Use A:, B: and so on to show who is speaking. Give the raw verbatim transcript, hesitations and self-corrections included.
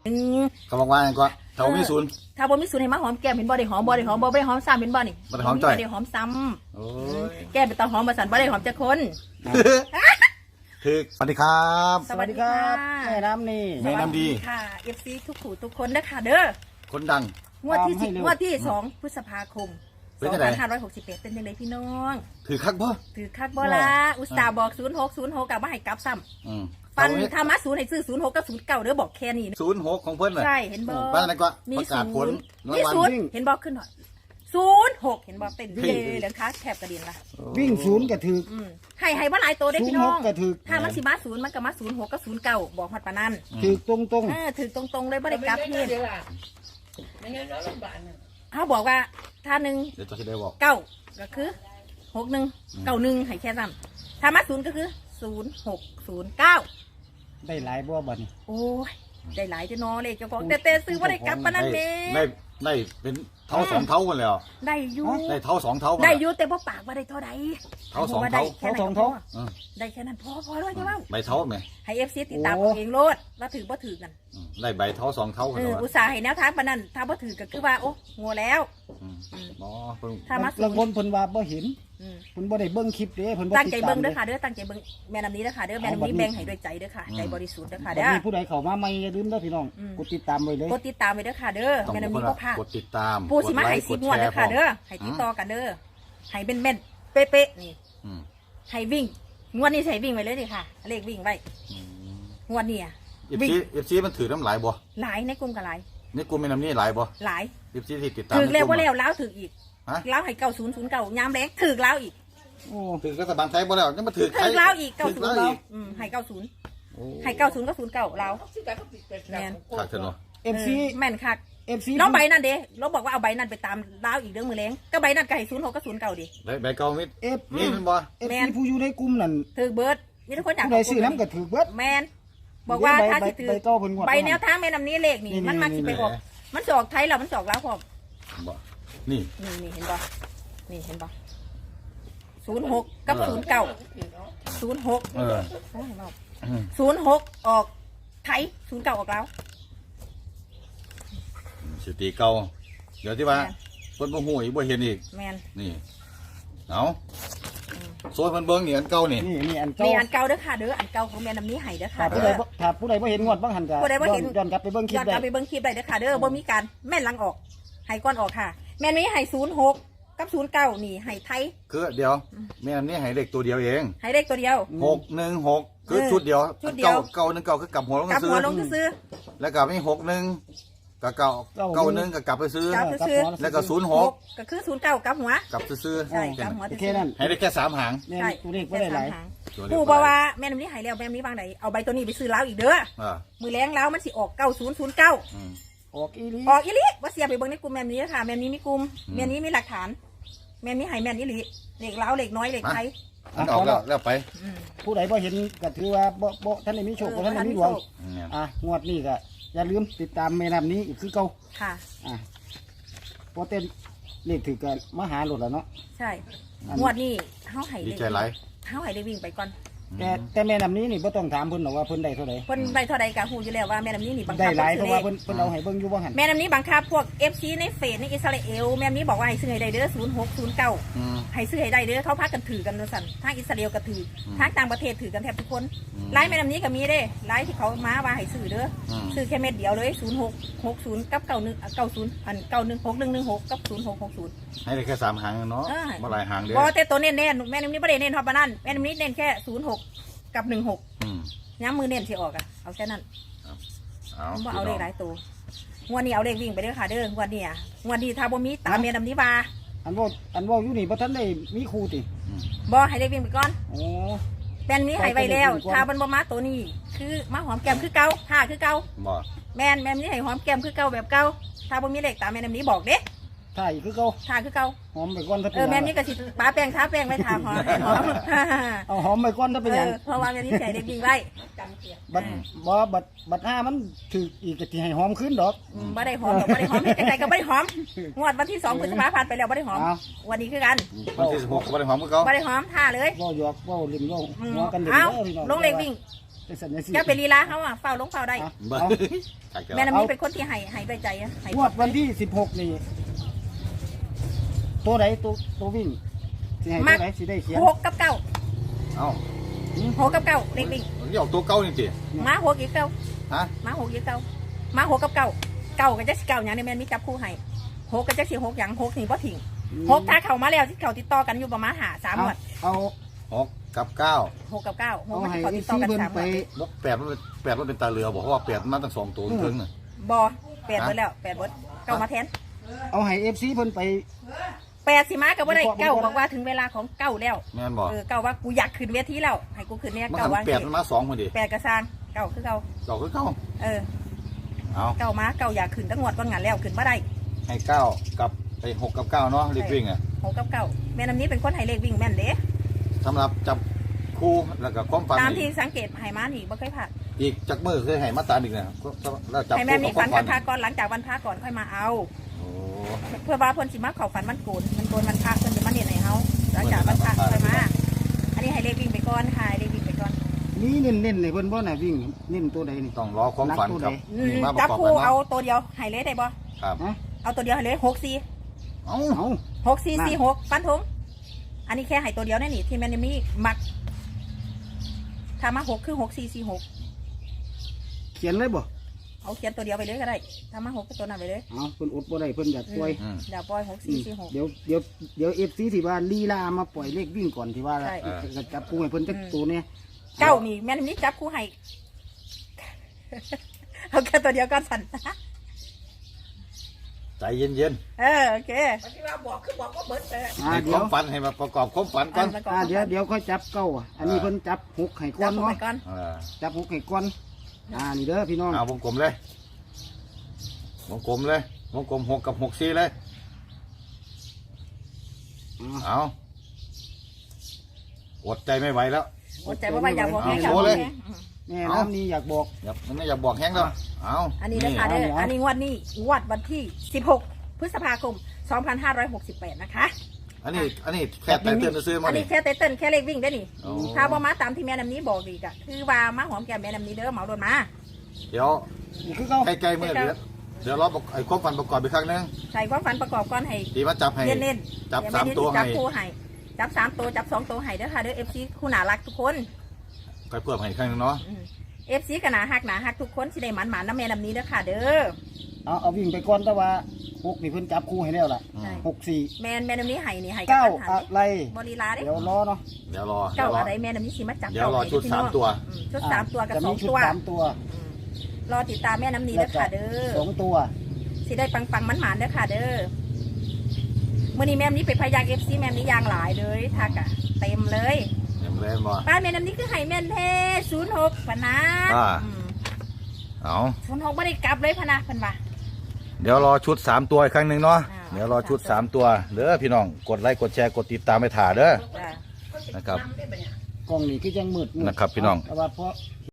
A: เขาบอกว่าอย่างก็เท่ามีศูนย์
B: ถ้าบ่มีศูนย์ให้มาหอมแก้มเห็นบ่ได้หอมบ่ได้หอมบ่ได้หอมซ้ำเห็นบ่นี่
A: บ่ได้หอมจ่อย
B: บ่ได้หอมซ้ำแก้มเป็นตาหอมมาสั่นบ่ได้หอมจักคน
A: คือสวัสดีครับ
B: สวัสดีครับ
C: แม่น้ำนี่
A: แม่น้ำดี
B: ค่ะ เอฟ ซี ทุกผู้ทุกคนเด้อค่ะเด้อ
A: คนดัง
B: งวดที่สิบงวดที่สองพฤษภาคมสองพันห้าร้อยหกสิบแปดเป็นจังไดพี่น้อง
A: ถือคักบ่
B: ถือคักบ่ล่ะอุตส่าห์บอกศูนย์หก ศูนย์หกกลับมาให้กลับซ้ำ
A: อืม
B: ปันธรรมะศูนย์ให้ซื้อศูนย์หกกับศูนย์เก้าเด้อบอกแค่นี้
A: ศูนย์หกของเพิ่นน่ะ
B: ใช่เห็นบ่
A: ป้านั่นก็ประกาศผล
B: มีศูนย์เห็นบ่ขึ้นหน่อยศูนย์หกเห็นบ่เต้นเย่เหลืองค้าแคบกระเด็นล่ะ
C: วิ่งศูนย์กระถือ
B: ให้ให้บ่หลายตัวได้พี่น้อง
C: กระถือ
B: ถ้ามันสิมาศูนย์มันก็มาศูนย์หกกับศูนย์เก้าบอกฮอดปานนั้น
C: ถือตรงตรง
B: เออถือตรงๆเลยบ่ได้กลับเฮ็ดเขาบอกว่าถ้าหนึ่ง
A: เดี๋ยวจะได้บอก
B: เก้าก็คือหกหนึ่งเก้าหนึ่งให้แค่ซ้ำถ้ามาศูนย์ก็คือศูนย์หกศูนย์เก้า
C: ได้หลายบ่บ่นี่
B: โอ้ยได้หลายจะนอเลยเจ้าของแต่แต่ซื้อว่าได้กลับปานนั้นเด้
A: ได้ได้เป็นเท่าสองเท่ากันแล้ว
B: ได้อยู่
A: ได้เท่าสองเท่า
B: ได้อยู่แต่บ่ปากว่าได้เท่าใด
A: เท่าสองเท่า
C: เท่าสองเท่า
B: ได้แค่นั้นพอพอแล้วใช่ไหม
A: ใบเท่าไหม
B: ให้เอฟซีติดตามเองโลดว่าถือบ่ถือกัน
A: ได้ใบเท่าสองเท่ากัน
B: อุตส่าห์ให้แนวทางปานนั้นถ้าบ่ถือก็คือว่าโอ้งัวแล้ว
A: อ๋อ
C: ถ้ามาลางคนเพิ่นว่าบ่เห็นเพิ่นบ่ได้เบิ่งคลิปเด้เพิ่นบ่
B: ตั้งใจเบิ่งเด้อค่ะเด้อตั้งใจเบิ่งแม่น้ำนี้เด้อค่ะเด้อแม่น้ำนี้แบ่งให้ด้วยใจเด้อค่ะใจบริสุทธิ์เด้อค่ะเด้อ
C: มีผู้ใดเข้ามาใหม่อย่าลืมเด้อพี่น้องกดติดตามไว้เลย
B: กดติดตามไว้เด้อค่ะเด้อแม่น้ำนี้บ่พลาด
A: กดติดตาม
B: ปูสิมาให้สิบงวดเด้อค่ะเด้อให้ติดต่อกันเด้อให้เป็นแม่นเป๊ะๆนี่ให้วิ่งงวดนี้ใส่วิ่งไว้เลยดิค่ะเลขวิ่งไว้งวดนี้อ่ะ
A: วิ่งเอฟซีมันถือน้ำหลายบ่
B: หลายในกลุ่มกับหลาย
A: ในกลุ่มแม่น้ำนี้หลายบ่
B: หลาย
A: เอฟซีที่ติดตาม
B: ถือแล้วว่าแล้วแล้วถืออีกแล้วให้เก้าศูนย์ศูนย์เก้ายามแรงถือแล้วอีก
A: โอ้ถือรัฐบาลไทยบ่แล้วยังมาถือ
B: ถือแล้วอีกเก้าศูนย์แล้วให้เก้าศูนย์ให้เก้าศูนย์ก็ศูนย์เก้าเราแม่น
A: ขาดเถอะเนาะ
C: เอฟซี
B: แม่นคัก
C: เอฟซี
B: น้องใบนั่นเด้เราบอกว่าเอาใบนั่นไปตามล้าวอีกเรื่องมือแรงก็ใบนั่นก็ให้ศูนย์หกก็ศูนย์เก้าดิ
A: ใบเก้ามิด
C: เอฟ
A: นี่มันบ่
C: เอฟซีผู้อยู่ในกลุ่มนั่น
B: ถือเบิร์ดมีทุกคนอยาก
C: ผู้ใดซื้อน้ำก็ถือเบิร์ด
B: แมนบอกว่าถ้าที่ถือใบแนวทางแม่นำนี้เลขนี่มันมาที่ไปออกมันสอกไทยเรามันสอกแล้วพอ
A: บ่นี่
B: นี่นี่เห็นบ่นี่เห็นบ่ศูนย์หกกับศูนย์เก้าศูนย์หก
A: เออ
B: ศูนย์หกออกไทยศูนย์เก้าออกแล้ว
A: สติเก่าเดี๋ยวที่ว่าเพิ่นบ่ฮู้อีกบ่เห็นอีก
B: แมน
A: นี่เอาโซนเพิ่นเบิ่งนี่อันเก่านี่
C: นี่นี่อันเก่า
B: นี่อันเก่าเด้อค่ะเด้ออันเก่าของแม่น้ำนี้ให้เด้อค่ะ
C: ถ้าผู้ใดถ้าผู้ใดบ่เห็นงวดบางหันก็ย้อนกลับไปเบิ่งคลิปได้
B: ย้อนกลับไปเบิ่งคลิปได้เด้อค่ะเด้อบ่มีการแม่นหลังออกให้ก้อนออกค่ะแม่นนี้ให้ศูนย์หกกับศูนย์เก้านี่ให้ไทย
A: คือเดี๋ยวแม่น้ำนี้ให้เลขตัวเดียวเอง
B: ให้เลขตัวเดียว
A: หกหนึ่งหกคือชุดเดียวเก้าเก้าหนึ่งเก้าคือกลับหัวลงซื้อ
B: กับหัวลงซื้อ
A: แล้วก็มีหกหนึ่งกับเก้าเก้าหนึ่งกับกลับไปซื้อแล้วก็ศูนย์หก
B: ก็คือศูนย์เก้ากับหัว
A: กลับซื้อ
B: ใช่กับหัว
C: แค่นั้น
A: ให้ได้แค่สามหาง
C: ใช่ตัวเลขไม่ได้หลาย
B: ผู้บอกว่าแม่น้ำนี้หายแล้วแม่น้ำนี้บางไหนเอาใบตัวนี้ไปซื้อแล้วอีกเด้อมือแรงแล้วมันสิออกเก้าศูนย์ศูนย์เก้า
C: ออกอีลี
B: ออกอีลีว่าเสียไปเบิ้งในกลุ่มแม่นี้ค่ะแม่นี้มีกลุ่มแม่นี้มีหลักฐานแม่นี้หายแม่นี้ลีเหล็กเล้าเหล็กน้อยเหล็กไทย
A: ออกแล้วแล้วไป
C: ผู้ใดพอเห็นก็ถือว่าบ่บ่ท่านได้มีโชคท่านได้มีดวงอ่ะงวดนี้ก็อย่าลืมติดตามแม่น้ำนี้อีกคือเก่า
B: ค่ะ
C: อ่ะพอเต้นเลขถือกันมาหาหลุดแล้วเนาะ
B: ใช่งวดนี้เขาให้
A: ดีใจไร
B: เขาให้ได้วิ่งไปก่อน
C: แต่แต่แม่น้ำนี้นี่บ่ต้องถามเพิ่นหรอกว่าเพิ่นได้เท่าไหร่
B: เพิ่นได้เท่าไหร่กะฮู้อยู่แล้วว่าแม่น้ำนี้นี่บังคับ
C: ได้หลายเพราะว่าเพิ่นเพิ่นเอาให้เบิ่งอยู่บ่หั่น
B: แม่น้ำนี้บังคับพวก เอฟ ซี ในเฟซในอิสราเอลแม่น้ำนี้บอกว่าให้ซื้อให้ได้เด้อศูนย์หก ศูนย์เก้าให้ซื้อให้ได้เด้อเขาพากันถือกันสั่นทางอิสราเอลก็ถือทางต่างประเทศถือกันแทบทุกคนไลน์แม่น้ำนี้ก็มีเด้ไลน์ที่เขามาว่าให้ซื้อเด้อซื้อแค่เม็ดเดียวเลยศูนย์หก หกศูนย์กับเก้าหนึ่ง เก้าศูนย์อันเก้าหนึ่ง หกหนึ่งหนึ่งหกกับศูนย์หก หกศูนย์
A: ให้ได้แค่สามหางเนาะบ่หลายหางเด้อ
B: บ่แต่ตัวเน้นๆแม่น้ำนี้บ่ได้เน้นฮอดปานนั้นแม่น้ำนี้เน้นแค่ศูนย์หกกับหนึ่งหกย้ำมือเน้นที่ออกอะเอาแค่นั้นเอาเอาเลขหลายตัวงวดนี้เอาเลขวิ่งไปเด้อค่ะเด้องวดนี้อ่ะงวดนี้ถ้าบ่มีตามเมียดำนี้บา
C: อันว่าอันว่าอยู่นี่บ่ทันได้มีครูติ
B: บ่ให้เลขวิ่งไปก่อน
C: โอ้
B: แม่นนี้ให้ไว้แล้วถ้ามันบ่มาตัวนี้คือมาหอมแก้มคือเก่าท่าคือเก่า
A: บ่
B: แม่นแม่นนี้ให้หอมแก้มคือเก่าแบบเก่าถ้าบ่มีเลขตามเมียดำนี้บอกเด้
C: ท่าอีกคือเก่า
B: ท่าคือเก่า
C: หอมไปก่อนถ้า
B: เป็นเออแม่นี้ก็สิป้าแป้งท้าแป้งไว้ทาหอมหอม
C: เอาหอมไปก่อนถ้าเป็นหยัง
B: เพราะว่าแม่นี้ใส่เลขวิ่งไว้
C: บัดบ่บัดบัดห้ามันถืออีกก็สิให้หอมขึ้นดอก
B: บ่ได้หอมดอกบ่ได้หอมเฮ็ดจังได๋ก็บ่ได้หอมงวดวันที่สองพฤษภาคมผ่านไปแล้วบ่ได้หอมวันนี้คือกัน
A: วันที่สิบหกก็บ่ได้หอมคือเก่า
B: บ่ได้หอมท่าเลย
C: เว้าหยอกเว้าลิ้นเว้าหัวกันเด้อ
B: พี่น้องลงเลขวิ่ง
C: ไปสัญญาสิ
B: จะเป็นลีลาเขาอ่ะเฝ้าลงเฝ้าได้
A: บ่
C: เอา
A: ใช่ครับ
B: แม่น้ำนี้เป็นคนที่ให้ให้ด้วยใจอะให้
C: งวดวันที่สิบหกนี่ตัวไหนตัวตัววิ่งสิให้ตัวไหนสิได้เขียน
B: หกกับเก้า
A: เอ้า
B: หกกับเก้าเล็ก
A: นี่ออกตัวเก่านี่ติ
B: ๆม้าหกอีกเก้า
A: ฮะ
B: ม้าหกอีกเก้าม้าหกกับเก้าเก้ากับจักสิเก้าอย่างนี้แม่นมีจับคู่ให้หกกับจักสิหกอย่างหกนี่บ่ทิ้งหกถ้าเข้ามาแล้วที่เขาติดต่อกันอยู่ประมาณหาสาม
C: เอา
B: หมด
C: เอา
A: หกกับเก้า
B: หกกับเก้าหก
C: เอา
B: มัน
C: ให้
B: เขา
C: ไอ้
B: ติดต่อ
C: ซี
B: กัน
C: เพิ่น
B: สามหม
C: ไป
B: ด
A: บ่แปดมันเป็นแปดมันเป็นตาเรือบอกเพราะว่าแปดมันมาตั้งสองตัวถึงน่ะ
B: บอแปดเบิดแล้วแปดเบิดเก้ามาแทน
C: เอาให้เอฟซีเพิ่นไป
B: แปดสิมากับว่าได้เก้าบอกว่าถึงเวลาของเก้าแล้ว
A: แม่นบ่
B: เออเก้าว่ากูอยากขึ้นเวทีแล้วให้กูขึ้นเนี่ย
A: มัน
B: เก้า
A: หัน
B: ว่า
A: แปดมันมาสองพอดี
B: แปดกระซางเก้าคือเก้า
A: เก่าคือเก่า
B: เออ
A: เอา
B: เก้ามาเก้าอยากขึ้นตั้งงวดก้อนงานแล้วขึ้นมาได้
A: ให้เก้ากับไอ้หกกับเก้าเนาะรีบวิ่งอ่ะ
B: หกกับเก้าแม่น้ำนี้เป็นคนไฮเลขวิ่งแม่นเด้
A: สำหรับจับคู่แล้วก็ความฝัน
B: ตามที่
A: อีก
B: สังเกตไฮมานี่บ่เคยผ่าน
A: อีกจักมือเคยให้มาตามอีกนะแล้วจับ
B: ไฮแม่
A: คู่
B: มี
A: กับค
B: ฝั
A: วาน มฝั
B: วัน นพาก่อนหลังจากวันพาก่อนค่อยมาเอา
A: โอ้
B: เพื่อว่าเพิ่นสิมาเข้าฝันมันโกนมันโกนมันพาเพิ่นสิมาเนียนให้เฮาหลังจากวันพาค่อยมา อันนี้ไฮเลขวิ่งไปก่อนค่ะไฮเลขวิ่งไปก่อน
C: นี่เน้นๆเลยเพิ่นบ่น่ะวิ่งเน้นตัวใดนี่
A: ต้องรอความฝันกับ
B: อืม
A: นี่มาป
B: จั
A: ระ
B: บ
A: กอบ
B: คู่
A: กัน
B: เอา
A: เนาะ
B: ตัวเดียวไฮเลขได้บ่
A: ครับ
C: ฮะ
B: เอาตัวเดียวไฮเลขหกสี่
A: เอ้า
C: เอา
B: หกสี่สี่หกฟันธงอันนี้แค่ไฮตัวเดียวแน่นี่ที่แม่นมีมักถ้ามาหกคือหกสี่สี่หก
C: เขียนเลยบ่
B: เอาเขียนตัวเดียวไปเลยก็ได้ถ้ามาหกก็ตัวนั้นไปเลย
C: เอาเพิ่นอดบ่ได้เพิ่นอยากปล่อย
A: อืม
B: เดี๋ยวปล่อยหก
C: อื
B: สี่
C: ม
B: สี่หก
C: เดี๋ยวเดี๋ยวเดี๋ยวเอฟซีที่ว่าลีลามาปล่อยเลขวิ่งก่อนที่ว่า
B: ใช่
C: จะจับกูให้เพิ่นจักตัวเนี่ย
B: เก้านี่แม่นนี่จับคู่ให้ เอาแค่ตัวเดียวก็สั่น
A: ใจเย็น
B: เออโอเคที่ว่าบอกคือบอกว่าเบิร์ดเลย
A: ๆ
C: อ่า
A: ให้ค
C: เดี๋ยว
A: วามฝันให้มาประกอบความฝันก่อน
C: อ่าเดี๋ยวเดี๋ยวค่อยจับเก้าอ่ะอันนี้เพิ่นจับหกให้ก้
B: จั
C: อบ น
B: คู่ไป
C: เนาะ
B: ก่อน
A: เออ
C: จับหกให้ก้อนอ่านี่เด้อพี่น้อง
A: เอาวงกลมเลยวงกลมเลยวงกลมหกกับหกสี่เลย
C: อ่า
A: เอาอดใจไม่ไหวแล้ว
B: อดใจว่าอยากบอกให้
A: เอา
B: เขา
A: โชว์เลย
C: แม่น้ำนี่อยากบอก
A: อย่ามันไม่อยากบอกแห้งแล้วเอา
B: อันนี้นะคะเด้อ
C: เอา
B: อันนี้งวดนี้งวดวันที่สิบหกพฤษภาคมสองพันห้าร้อยหกสิบแปดนะคะ
A: อันนี้อันนี้แค่แต่เตือนซื้อมา
B: อัน
A: ดิ
B: นี้แค่เต้นแค่เลขวิ่งได้นี่
A: โอ้
B: ถ้าบ่มาตามที่แม่น้ำนี้บอกดีกะคือว่ามาหอมแก้มแม่น้ำนี้เด้อเหมาโดนมา
A: เดี๋ยว
C: นี่คือเก้า
A: ใกล้ๆเมื่อเดี๋ยวเดี๋ยวเราไอ้ความฝันประกอบอีกครั้งหนึง
B: ใส่ความฝันประกอบก่อนให้
A: ตีมาจับให้
B: เน้นๆ
A: จับ
B: เดี๋ยว
A: สาม
B: แนี้
A: ตัว
B: จั
A: ให้
B: บคู่ให้จับสามตัวจับสองตัวให้เด้อค่ะเด้อเอฟซีคู่หนารักทุกคน
A: ค่อยเพิ่มให้อีกครั้งหนึงเนาะ
B: เอฟซีก็หนาหักหนาหักทุกคนสิได้หมันหมันน้ำแม่น้ำนี้เด้อค่ะเด้อ
C: เอาเอาวิ่งไปก่อนแต่ว่าหกนี่เพิ่นจับคู่ให้แล้วล่ะ
A: อืม
C: หกสี่
B: แม่นแม่น้ำนี้ให้นี่ให้
C: เก้า
B: หั
C: อะไร
B: บริลาเด้
C: เดี๋ยวรอเนาะ
A: เดี๋ยวรอเดี๋
B: เก้า
A: ยวรอ
B: อะไรแม่น้ำนี้สิมาจับ
A: เดี๋ยวรอ
B: ให้
A: ชุด
B: พี่
A: สาม
B: น้อง
A: ตัว
B: อืมชุดสามตัวกับ
C: จะ
B: สอ
C: มี
B: ง
C: ชุด
B: ตัว
C: สามตัว
B: อืมรอติดตามแม่น้ำนี้เด้อค่ะเด้อ
C: สองตัว
B: สิได้ปังปังมันหมันเด้อค่ะเด้อมื่อนี้แม่น้ำนี้เป็นพยางเอฟซีแม่น้ำนี้ยางหลายเลยทักอะเต็มเลย
A: เดี๋ยวเล่นบ่
B: บ้านแม่น้ำนี้คือไห่แม่นเทศูนย์หกพะนะ
A: อ่า เอา
B: ศูนย์หกไม่ได้กลับเลยพะนะเพิ่นว่า
A: เดี๋ยวรอชุดสามตัวอีกครั้งหนึ่งเนาะ
B: อ่า
A: เดี๋ยวรอชุดสามตัวเด้อพี่น้องกดไลค์กดแชร์กดติดตามไปถ่าเด้อ
B: จ้ะ
A: นะครับ
C: กล้องนี่คือยังมืดมืด
A: นะครับพี่น้อง
C: แต่ว่าเพราะ